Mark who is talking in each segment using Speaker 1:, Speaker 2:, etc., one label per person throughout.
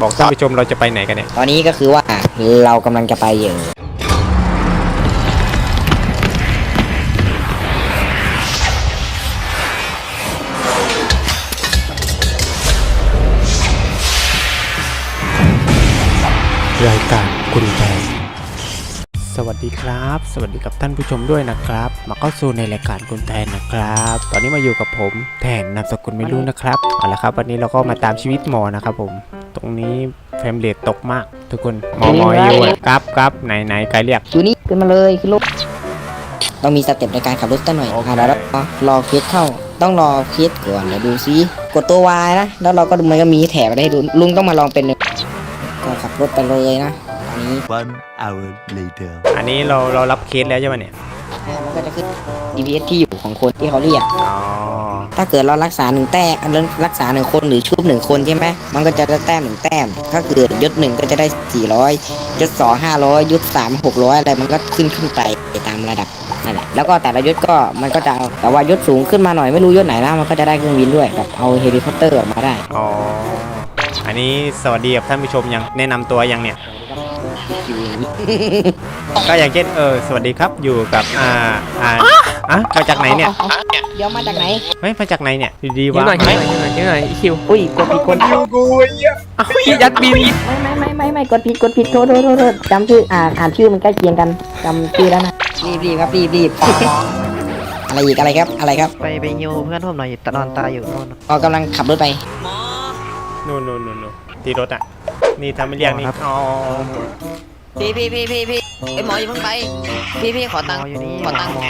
Speaker 1: บอกท่านผู้ชมเราจะไปไหนกันเนี่ย
Speaker 2: ตอนนี้ก็คือว่าเรากำลังจะไปอยู่
Speaker 1: รายการคุณแทนสวัสดีครับสวัสดีกับท่านผู้ชมด้วยนะครับมาเข้าสู่ในรายการคุณแทนนะครับตอนนี้มาอยู่กับผมแทนนามสกุลไม่รู้นะครับเอาละครับวันนี้เราก็มาตามชีวิตหมอนะครับผมตรงนี้เฟรมเรทตกมากทุกคนหมออยู่ครับไหนไกลเรียก
Speaker 2: อยู่นี่ขึ้นมาเลยขึ้นรถต้องมีสเต็ปในการขับรถตั้งหน่อยแล้วรอเคสเข้าต้องรอเคสก่อนเดี๋ยวดูซิกดตัว Y นะแล้วเราก็มันก็มีแถบให้ดูลุงต้องมาลองเป็นก็ขับรถไปเลยนะอันนี้
Speaker 3: One hour later
Speaker 1: อันนี้เรารับเคสแล้วใช่ไหมเนี่ย
Speaker 2: มันก็จะขึ้น DPS ที่อยู่ของคนที่เขาเรียก
Speaker 1: อ๋อ
Speaker 2: ถ้าเกิดเรารักษา1 แต้มรักษา1 คนหรือชุบ1 คนใช่ไหมมันก็จะได้แต้ม1 แต้มถ้าเกิดยศ1ก็จะได้400ยศ2 500ยศ3 600อะไรมันก็ขึ้นไปตามระดับนั่นแหละแล้วก็แต่ละยศก็มันก็จะแต่ว่ายศสูงขึ้นมาหน่อยไม่รู้ยศไหนนะมันก็จะได้เครื่องบินด้วยแบบเอาเฮลิคอปเตอร์ออกมาได้
Speaker 1: อ๋ออันนี้สวัสดีกับท่านผู้ชมยังแนะนำตัวยังเนี่ยก็อย่างเช่นสวัสดีครับอยู่กับมาจากไหนเนี่ย
Speaker 2: เดี๋ยวมาจากไหน
Speaker 1: ไม่มาจากไหนเนี่ยดีๆวะ
Speaker 4: หน่อยคิว
Speaker 2: อุ้ยกดผิดคน
Speaker 4: กูยัดบิน
Speaker 2: ไม่กดผิดโทษจำชื่ออ่านชื่อมันใกล้เคียงกันจำชื่อแล้วนะรีบครับรีบอะไรอีกอะไรครับ
Speaker 4: ไปยิวเพื่อนผมหน่อยนอนตายอยู่โน่น
Speaker 2: กำลังขับรถไป
Speaker 1: นู่นที่รถอ่ะนี่ทำไม่เรียกนี่อ๋อ
Speaker 5: พี่ไอหมออย่าเพิ่งไปพี่ขอตังค์ขอตังค์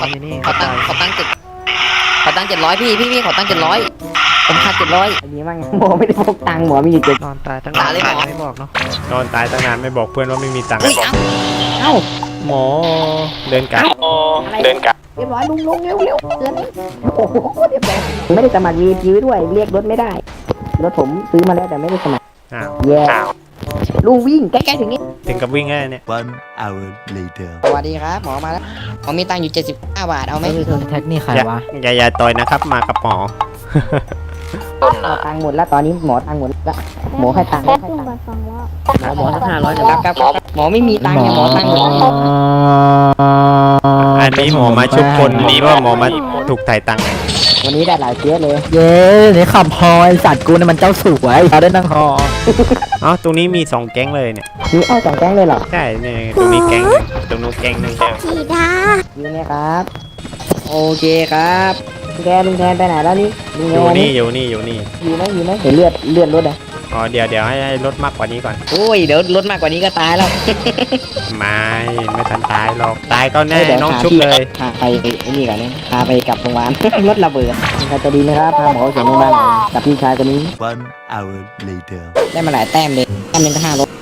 Speaker 5: 700พี่ขอตังค์700ผมขาด700
Speaker 2: อันนี้มั่งหมอไม่ได้พกตังค์หมอมีอยู่
Speaker 4: นอนตายตั้งนานไม่บอกเนาะ
Speaker 1: นอนตายตั้งนานไม่บอกเพื่อนว่าไม่มีตังค์
Speaker 2: เอ้า
Speaker 1: หมอเดินกลับ
Speaker 2: เรียบร้อยลุงเร็วเกินโอ้โหเรียบร้อยไม่ได้สมัคร VIP ด้วยเรียกรถไม่ได้รถผมซื้อมาแล้วแต่ไม่ได้สมัครแย่ลุงวิ่งใกล้ๆถึงนี้
Speaker 1: ถึงกับวิ่งแค่เนี่ย
Speaker 3: One hour later
Speaker 2: สวัสดีครับหมอมาแล้วผมมีตังค์อยู่75 บาทเอาไหม
Speaker 4: แท็กนี่ใครวะ
Speaker 1: อย่าต่อยนะครับมากับหมอ
Speaker 2: ตังค์หมดแล้วตอนนี้หมอตังค์หมดแล้วหมอให้ตังค์
Speaker 4: หมอสัก500
Speaker 2: ครับหมอไม่มีตังค์หมอตังค์หมด
Speaker 1: อันนี้หมอมาชุบคนนี้ว่าหมอมาถูกถ่ายตังค์
Speaker 2: วันนี้ได้หลายเคสเลย
Speaker 4: เย้นี่ขับฮอไอสัตว์กูนี่มันเจ้าสวยเราได้นั่งฮอ
Speaker 1: อ๋อตรงนี้มี2 แก๊งเลยเนี่ย
Speaker 2: มี2 แก๊งเลยเหรอ
Speaker 1: ใช่เนี่ยตรงนี้แก๊งตรงนู้นแก๊งนึง
Speaker 2: สีดาอยู่เนี่ยครับโอเคครับลุงแทนไปไหนแล้วนี่
Speaker 1: อยู่นี่อยู่ไหม
Speaker 2: เห็นเลือดรถอ่ะ
Speaker 1: อ๋อเดี๋ยวให้รถมากกว่านี้ก่อน
Speaker 2: โอ้ยเดี๋ยวรถมากกว่านี้ก็ตายแล้ว
Speaker 1: ไม่ทันตายหรอกตายก็แน่น้องชุบเลย
Speaker 2: พาไปนี่ก่อนเนี่ยพาไปกลับโรงพยาบาลรถระเบิดมันจะดีนะครับพาหมอส่งโรงพยาบาลกับพี่ชายคนนี้
Speaker 3: One hour later
Speaker 2: ได้มาหลายแต้มเลยแต้มนึงก็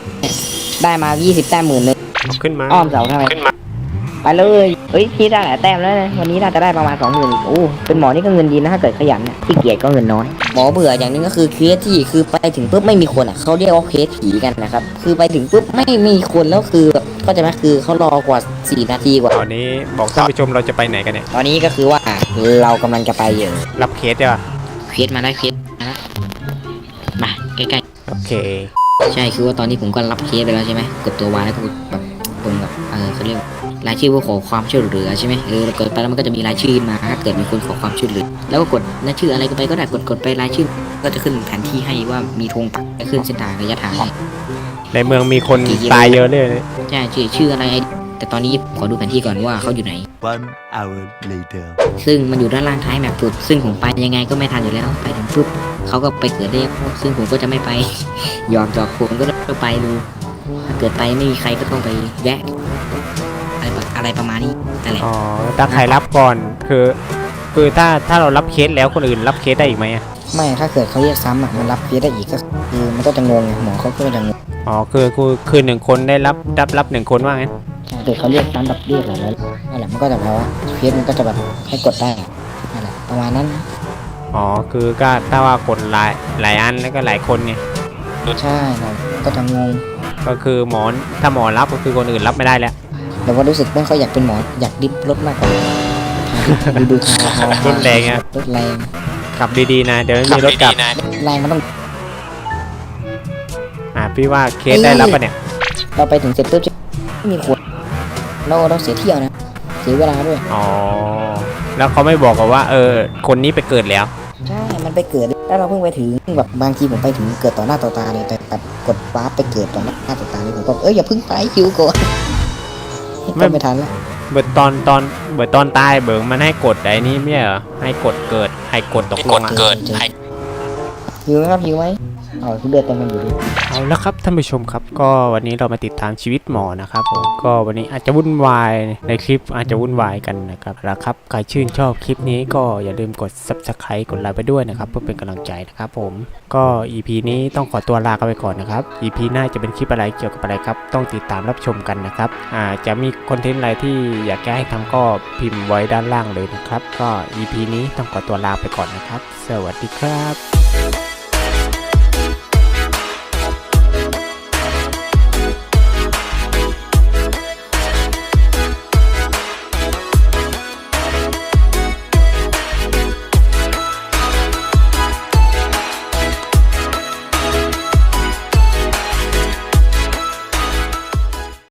Speaker 2: 500ได้มา20 แต้ม10,000เลย
Speaker 1: ขึ้นมา
Speaker 2: อ้อมเสาทำไมไปเลยเฮ้ยพี่ได้หลายแต้มแล้วนะวันนี้น่าจะได้ประมาณ 20,000โอ้เป็นหมอนี่ก็เงินดีนะถ้าเกิดขยันที่เกียจก็เงินน้อยหมอเบื่ออย่างนึงก็คือเคสที่คือไปถึงปุ๊บไม่มีคนอ่ะเขาเรียกว่าเคสผีกันนะครับคือไปถึงปุ๊บไม่มีคนแล้วคือก็จะไหมคือเขารอกว่า4 นาทีกว่า
Speaker 1: ตอนนี้บอกท่านผู้ชมเราจะไปไหนกันเนี่ย
Speaker 2: ตอนนี้ก็คือว่าเรากำลังจะไป
Speaker 1: รับเคสใช่ป่ะ
Speaker 2: เคสมาได้เคสมาใกล้
Speaker 1: ๆโอเค
Speaker 2: ใช่คือว่าตอนนี้ผมก็รับเคสไปแล้วใช่ไหมกดตัววายแล้วก็แบบผมแบบเขาเรียกรายชื่อผู้ขอความช่วยเหลือใช่ไหมเรากดไปแล้วมันก็จะมีรายชื่อมาถ้าเกิดมีคนขอความช่วยเหลือแล้วก็กดรายชื่ออะไรก็ไปก็ได้กดไปรายชื่อก็จะขึ้นแผนที่ให้ว่ามีธงปักจะขึ้นเส้นทางระยะทาง
Speaker 1: ในเมืองมีคนตายเยอะเลย
Speaker 2: ใช่ชื่ออะไรแต่ตอนนี้ขอดูแผนที่ก่อนว่าเขาอยู่ไหน
Speaker 3: One hour later
Speaker 2: ซึ่งมันอยู่ด้านล่างท้ายแมปสุดซึ่งผมไปยังไงก็ไม่ทันอยู่แล้วไปถึงปุ๊บเขาก็ไปเกิดได้ซึ่งผมก็จะไม่ไปยอมจอกผมก็ต้องไปดูถ้าเกิดไปไม่มีใครก็ต้องไปแวะอะไรประมาณนี้นั่นแหละ
Speaker 1: อ๋อถ้าใครรับก่อนคือถ้าเรารับเคสแล้วคนอื่นรับเคสได้อีกไหม
Speaker 2: ไม่ถ้าเกิดเขาเรียกซ้ำมันรับเคสได้อีกก็คือมันก็จะงงหมอเขาก็จะงง
Speaker 1: อ๋อคือ1 คนได้รับ1 คนว่างั้น
Speaker 2: เกิดเขาเรียกซ้ำแบบเรียกอะไรแล้วนั่นแหละมันก็จะแปลว่าเคสมันก็จะแบบให้กดได้นั่นแหละประมาณนั้น
Speaker 1: อ๋อคือก็ถ้าว่ากดหลายอันแล้วก็หลายคนไง
Speaker 2: ใช่ก็จะงง
Speaker 1: ก็คือถ้าหมอรับก็คือคนอื่นรับไม่ได้แล้ว
Speaker 2: แต่ว่ารู้สึกไม่ค่อยอยากเป็นหมออยากดิบรถมากกว่าดู
Speaker 1: รถแรงอ่ะ
Speaker 2: รถแรง
Speaker 1: ขับดีๆนะเดี๋ยวมีรถกลับ
Speaker 2: แรงมันต้อง
Speaker 1: พี่ว่าเคสได้รับปะเนี่ย
Speaker 2: เราไปถึงเสร็จปุ๊บไม่มีคนเราเสียเที่ยวนะเสียเวลาด้วย
Speaker 1: อ๋อแล้วเขาไม่บอกกันว่าคนนี้ไปเกิดแล้ว
Speaker 2: ใช่ มันไปเกิดแล้วเราเพิ่งไปถึงแบบบางทีผมไปถึงเกิดต่อหน้าต่อตาเลยแต่แบบกดวาร์ปไปเกิดต่อหน้าต่อตาเลยผมก็อย่าเพิ่งไปคิวก่อนไม่ทันแล้ว
Speaker 1: เบิดตอนตายเบิร์มันให้กดไอ้นี่ไม่ใช่เหรอให้กดเกิดให้กดตกลงอ่ะ
Speaker 2: หิวไหมครับหิวไหมเอาเลือดเต็มมันอยู่ดิ
Speaker 1: เอาละครับท่านผู้ชมครับก็วันนี้เรามาติดตามชีวิตหมอนะครับผมก็วันนี้อาจจะวุ่นวายในคลิปอาจจะวุ่นวายกันนะครับแล้วครับใครชื่นชอบคลิปนี้ก็อย่าลืมกด Subscribe กดไลค์ไปด้วยนะครับเพื่อเป็นกำลังใจนะครับผมก็ EP นี้ต้องขอตัวลากันไปก่อนนะครับ EP หน้าจะเป็นคลิปอะไรเกี่ยวกับอะไรครับต้องติดตามรับชมกันนะครับจะมีคอนเทนต์อะไรที่อยากให้ทำก็พิมพ์ไว้ด้านล่างเลยนะครับก็ EP นี้ต้องขอตัวลาไปก่อนนะครับสวัสดีครับ